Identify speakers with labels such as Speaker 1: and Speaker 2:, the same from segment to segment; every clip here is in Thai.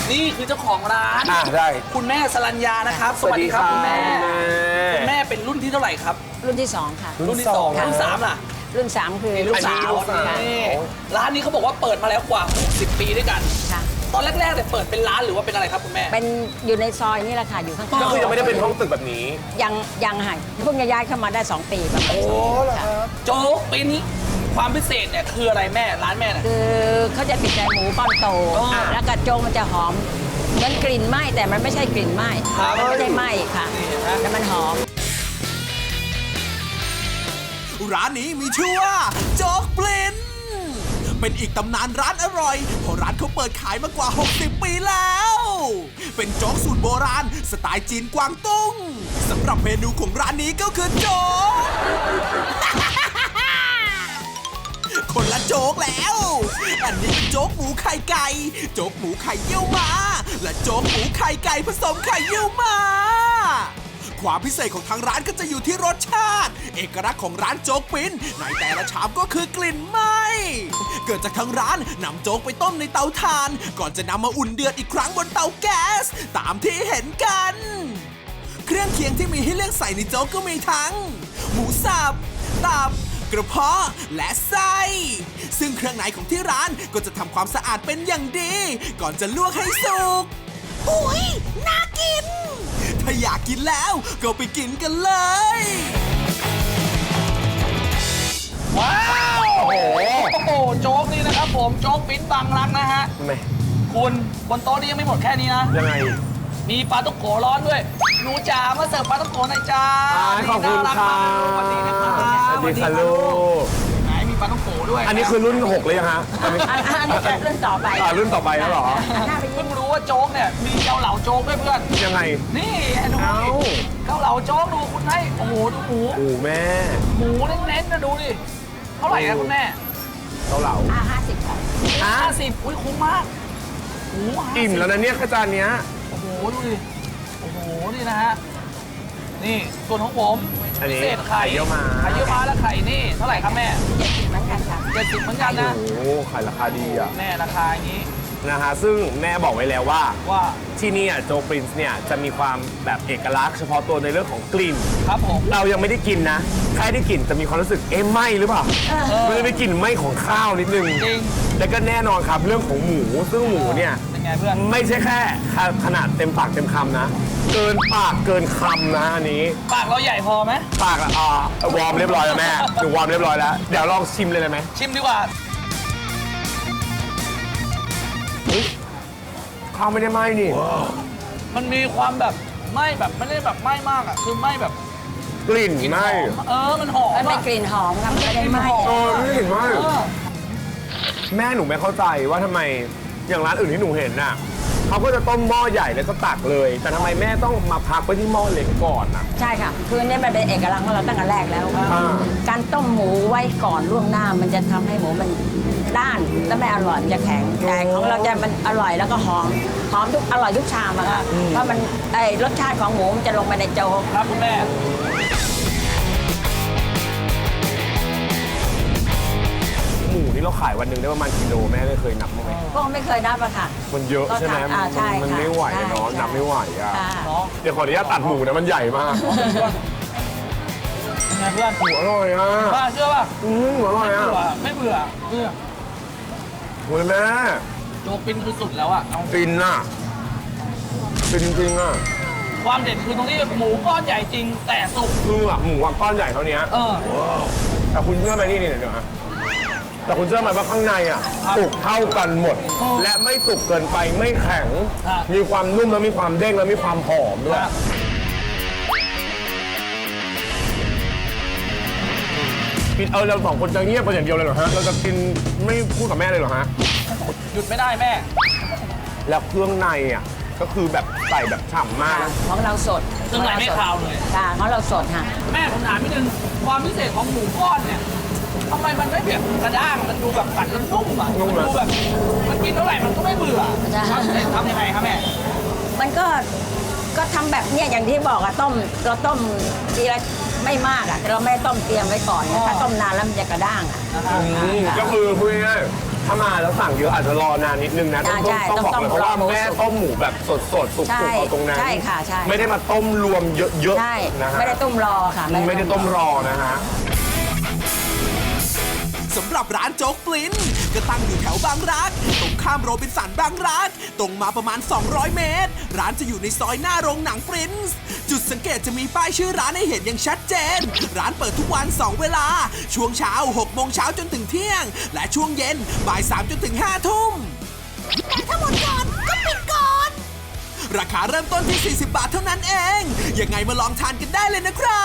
Speaker 1: นี่คือเจ้าของร้าน
Speaker 2: ได้
Speaker 1: คุณแม่สรัญญานะครับสวัสดีครับคุณแม่คุณแม่เป็นรุ่นที่เท่าไหร่ครับ
Speaker 3: รุ่นที่ 2 ค่ะ
Speaker 1: รุ่นที่สอง
Speaker 3: ค่ะ
Speaker 1: รุ่นสามล่ะ
Speaker 3: รุ่น 3 คือ
Speaker 1: ลูกสาว
Speaker 3: ลูกสาวค่ะ
Speaker 1: นี่ร้านนี้เขาบอกว่าเปิดมาแล้วกว่า60 ปีด้วยกัน
Speaker 3: ค่ะ
Speaker 1: ตอนแรกๆเนี่ยเปิดเป็นร้านหรือว่าเป็นอะไรครับคุณแม่
Speaker 3: เป็นอยู่ในซอยนี่แหละค่ะ อยู่ข้าง
Speaker 2: ก็คือยังไม่ได้เป็นห้องตึกแบบนี้
Speaker 3: ยังค่ะเพิ่งจะย้ายเข้ามาได้ 2 ปีประมาณ
Speaker 2: เหรอ
Speaker 3: ค่ะ
Speaker 2: ครับ
Speaker 1: โจ๊กปีนี้ความพิเศษเนี่ยคืออะไรแม่ร้านแม่เนี่ย
Speaker 3: คือเขาจะติดใจหมูป้อนโต
Speaker 1: อ่า
Speaker 3: แล้วกระโจงมันจะหอมเหมือนกลิ่นไหม้แต่มันไม่ใช่กลิ่นไหม้
Speaker 1: ครับ
Speaker 3: มันไม่ได้ไหม้ค่ะ
Speaker 1: นี่เห็นไหม
Speaker 3: แต่มันหอม
Speaker 4: ร้านนี้มีชื่อว่าโจ๊กปลินเป็นอีกตำนานร้านอร่อยเพราะร้านเขาเปิดขายมากว่า 60 ปีแล้ว เป็นโจ๊กสูตรโบราณสไตล์จีนกวางตุ้งสำหรับเมนูของร้านนี้ก็คือโจ๊ก คนละโจ๊กแล้ว อันนี้เป็นโจ๊กหมูไข่ไก่ โจ๊กหมูไข่เยี่ยวม้า และโจ๊กหมูไข่ไก่ผสมไข่เยี่ยวม้า ความพิเศษของทางร้านก็จะอยู่ที่รสชาติ เอกลักษณ์ของร้านโจ๊กปิ้นในแต่ละชามก็คือกลิ่นไหม้เกิดจากทางร้านนำโจ๊กไปต้มในเตาถ่าน ก่อนจะนำมาอุ่นเดือดอีกครั้งบนเตาแก๊สตามที่เห็นกัน เครื่องเคียงที่มีให้เลือกใส่ในโจ๊กก็มีทั้ง หมูสับ ตับ กระเพาะ และไส้ ซึ่งเครื่องในของที่ร้านก็จะทำความสะอาดเป็นอย่างดี ก่อนจะลวกให้สุกอุ้ยน่ากิน ถ้าอยากกินแล้วก็ไปกินกันเลย
Speaker 1: ว้าวโอ้โหโจ๊กนี่นะครับผมโจ๊กปิ้นบางรักนะฮะ
Speaker 2: ทำไม
Speaker 1: คุณบนโต๊ะนี้ยังไม่หมดแค่นี้นะ
Speaker 2: ยังไง
Speaker 1: มีปลาต้องโกร้อนด้วย หนูจ๋ามาเสิร์ฟปลาต้องโกหน่อยจ้า
Speaker 2: ขอบคุณ
Speaker 1: น่ารัก
Speaker 2: ค่ะ
Speaker 1: มากสวัสดีนะครับ
Speaker 2: สวัสดีค่ะลูก
Speaker 1: ไหนมีปลาต้องโกด้วย
Speaker 2: อันนี้คือรุ่น 6 เลยยังฮะอันนี้
Speaker 3: อันนี้จะรุ่นต่อไป
Speaker 2: รุ่นต่อไปแล้วเหรอ
Speaker 3: หน้าไป
Speaker 1: เพิ่
Speaker 3: ยิ้ม
Speaker 1: งรู้ว่าโจ๊กเนี่ยมีเกาเหลาโจ๊กด้วยเพื่อน
Speaker 2: ยังไง
Speaker 1: นี่ดู
Speaker 2: เอ้า
Speaker 1: ดิเกาเหลาโจ๊กดูคุณให้โอ้โหดูหมู
Speaker 2: โอ้แม่
Speaker 1: หมูเน้นๆนะดูดิเท่าไหร่ครับคุณแม่
Speaker 2: เกาเหลา
Speaker 3: 50ค่ะ
Speaker 1: 50อุ้ยคุ้มมากโอ้โห50
Speaker 2: อิ่มแล้วนะเนี่ยข้าวจานเนี้ย
Speaker 1: โอ้โหดูดิโอ้โหนี่นะฮะนี่ส่วนของผม
Speaker 2: อันนี้
Speaker 1: พิเศษไข่
Speaker 2: ไข่เยี่ยวม้า
Speaker 1: ไข่เยี่ยวม้าและไข่นี่เท่าไหร่ครับแม่
Speaker 3: เหมือนกันค่ะ
Speaker 1: 70เหมือนกันนะ
Speaker 2: โอ้ขายราคาดีอ่ะ
Speaker 1: แม่ราคาอย่างนี้
Speaker 2: นะฮะซึ่งแม่บอกไว้แล้วว่า
Speaker 1: ว่า
Speaker 2: ที่นี่โจปรินซ์เนี่ยจะมีความแบบเอกลักษณ์เฉพาะตัวในเรื่องของกลิ่น
Speaker 1: ครับผม
Speaker 2: เรายังไม่ได้กินนะแค่ได้กลิ่นจะมีความรู้สึกไหม้หรือเปล่ามันจะมีกลิ่นไหม้ของข้าวนิดนึง
Speaker 1: จริง
Speaker 2: แล้วก็แน่นอนครับเรื่องของหมูซึ่งหมูเนี่ย
Speaker 1: เป็นไงเพื่อน
Speaker 2: ไม่ใช่แค่ขนาดเต็มปากเต็มคำนะ เกินปากเกินคำนะอันนี้
Speaker 1: ปากเราใหญ่พอไหม
Speaker 2: ปากวอร์มเรียบร้อยแล้วแม่หนูวอร์มเรียบร้อยแล้วเดี๋ยวลองชิมเลยได้ไหม
Speaker 1: ชิมดีกว่า
Speaker 2: ข้าวไม่ได้ไหม้นี่
Speaker 1: มันมีความแบบไหม้แบบไม่ได้แบบไหม้มากอ่ะคือไหม้แบบ
Speaker 2: กลิ่น
Speaker 1: กลิ่น
Speaker 2: ไหม้
Speaker 1: หอมมันหอม
Speaker 3: มันเป็น
Speaker 1: อะ
Speaker 3: กลิ่นหอมค่ะมันไม่ได้ไหม้
Speaker 2: ไม่เห็นไหม้
Speaker 1: เออ
Speaker 2: แม่หนูไม่เข้าใจว่าทำไมอย่างร้านอื่นที่หนูเห็นน่ะเขาก็จะต้มหม้อใหญ่แล้วก็ตักเลย แต่ทำไมแม่ต้องมาพักไว้ที่หม้อเล็กก่อนน่ะ
Speaker 3: ใช่ค่ะ คือเนี่ยมันเป็นเอกลักษณ์ของเราตั้งแต่แรกแล้ว
Speaker 2: อ่า
Speaker 3: การต้มหมูไว้ก่อนล่วงหน้ามันจะทำให้หมูมันด้านแล้วไม่อร่อยมันจะแข็งแต่ของเราจะมันอร่อยแล้วก็หอมทุกอร่อยทุกชามอะค่ะเพราะมันรสชาติของหมูมันจะลงไปในโจ๊ก
Speaker 1: ครับคุณแม่
Speaker 2: หมูนี่เราขายวันหนึ่งได้ประมาณกิโลแม่ได้เคยนับมั้างไหม
Speaker 3: ก็ไม่เคยนับอะค่ะ
Speaker 2: มันเยอะใช่ไหม
Speaker 3: ใช่
Speaker 2: มัน
Speaker 3: ค่ะ
Speaker 2: ไม่ไหวอะเนาะ
Speaker 3: ใช่
Speaker 2: นับไม่ไหวอ่ะ
Speaker 3: ค่ะ
Speaker 1: เนาะ
Speaker 2: เดี๋ยวขออนุญาตตัดหมูนะมันใหญ่มาก
Speaker 1: เป็นไงเพื่อน
Speaker 2: หมูอร่อยอ่ะ
Speaker 1: ป้าเชื่อป่ะ
Speaker 2: หมูอร่อย
Speaker 1: ไม่
Speaker 2: อ่ะ
Speaker 1: เบื่อไม่เบื่อเบื่อ
Speaker 2: โอ้ยแม่
Speaker 1: โจ๊กปิ้นคือสุดแล้วอ่ะเอา
Speaker 2: ฟินอ่ะฟินจริงๆอ่ะ
Speaker 1: ความเด็ดคือตรงที่หมูก้อนใหญ่จริงแต่สุก
Speaker 2: คือหมูก้อนใหญ่เท่านี้
Speaker 1: เออ
Speaker 2: แต่คุณเชื่อไหมนี่เดี๋ยวนะแต่คุณเชื่อไหมว่าข้างในอ่ะ
Speaker 1: ครับ
Speaker 2: สุกเท่ากันหมด
Speaker 1: อ๋อ
Speaker 2: และไม่สุกเกินไปไม่แข็ง
Speaker 1: ครับ
Speaker 2: มีความนุ่มแล้วมีความเด้งแล้วมีความหอมด้วย กินเราสองคนจะเงียบไปอย่างเดียวเลยเหรอฮะเราจะกินไม่พูดกับแม่เลยเหรอฮะ
Speaker 1: หยุดไม่ได้แม่
Speaker 2: แล้วเครื่องในอ่ะก็คือแบบใส่แบบฉ่ำมากนะ
Speaker 3: ของเราสด
Speaker 1: เครื่องในไม่คาวเลย
Speaker 3: ค่ะของเราสดค่ะ
Speaker 1: แม่ผมถามนิดนึงความพิเศษของหมูก้อนเนี่ยทำไมมันไม่แบบกระด้างมันดูแบบกัดแล้วนุ่มอ่ะมันดูแบบมันกินเท่าไหร่มันก็ไม่เบื่อ
Speaker 3: ใช่
Speaker 1: ความพิเศษทำยังไงครับแม่
Speaker 3: มันก็ทำแบบเนี้ยอย่างที่บอกอะเราต้มทีละไม่มากอะแต่เราไม่ต้มเตรียมไว้ก่อนนะถ้าต้มนานแล้วมันจะกระด้างอะ
Speaker 2: ก็คือพูดง่ายถ้ามาแล้วสั่งเยอะอาจจะรอนานนิดนึงนะต้อง
Speaker 3: ใช่
Speaker 2: บอกเลยเพราะว่าแม่ต้มหมูแบบสดสุก
Speaker 3: ใช่
Speaker 2: ๆเอาตรงนั้น
Speaker 3: ใช่ค่ะใช่
Speaker 2: ไม่ได้มาต้มรวมเยอะ
Speaker 3: ใช่
Speaker 2: ๆนะฮะ
Speaker 3: ไม่ได้ต้มรอค่ะ
Speaker 2: ไม่ได้ต้มรอนะฮะ
Speaker 4: สำหรับร้านโจ๊กปลิ้นก็ตั้งอยู่แถวบางรักตรงข้ามโรบินสันบางรักตรงมาประมาณ 200 เมตร ร้านจะอยู่ในซอยหน้าโรงหนังปรินซ์จุดสังเกตจะมีป้ายชื่อร้านให้เห็นอย่างชัดเจน ร้านเปิดทุกวัน 2 เวลา ช่วงเช้า 6 โมงเช้าจนถึงเที่ยง และช่วงเย็นบ่าย 3 จนถึง 5 ทุ่มแต่ถ้าหมดก่อนก็ปิดก่อน ราคาเริ่มต้นที่ 40 บาทเท่านั้นเอง ยังไงมาลองทานกันได้เลยนะครับ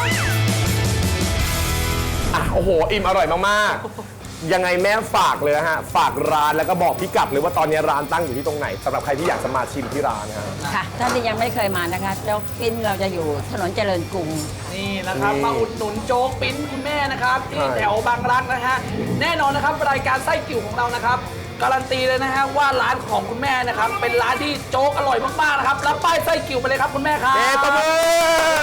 Speaker 2: อ่ะโอ้โห อิ่มอร่อยมากๆ ยังไงแม่ฝากเลยนะฮะ ฝากร้านแล้วก็บอกพิกัดเลยว่าตอนนี้ร้านตั้งอยู่ที่ตรงไหนสำหรับใครที่อยากจะมาชิมที่ร้านนะฮะ
Speaker 3: ค่ะท่านที่ยังไม่เคยมานะคะโจ๊กปิ้นเราจะอยู่ถนนเจริญกรุง
Speaker 1: นี่นะครับ
Speaker 2: นี่
Speaker 1: มาอุดหนุนโจ๊กปิ้นคุณแม่นะครับที่
Speaker 2: ใช่
Speaker 1: แถวบางรักนะฮะแน่นอนนะครับรายการไส้กิ่วของเรานะครับการันตีเลยนะฮะว่าร้านของคุณแม่นะครับเป็นร้านที่โจ๊กอร่อยมากๆนะครับรับป้ายไส้กิ่วไปเลยครับคุณแม่ครับ
Speaker 2: ตบมือ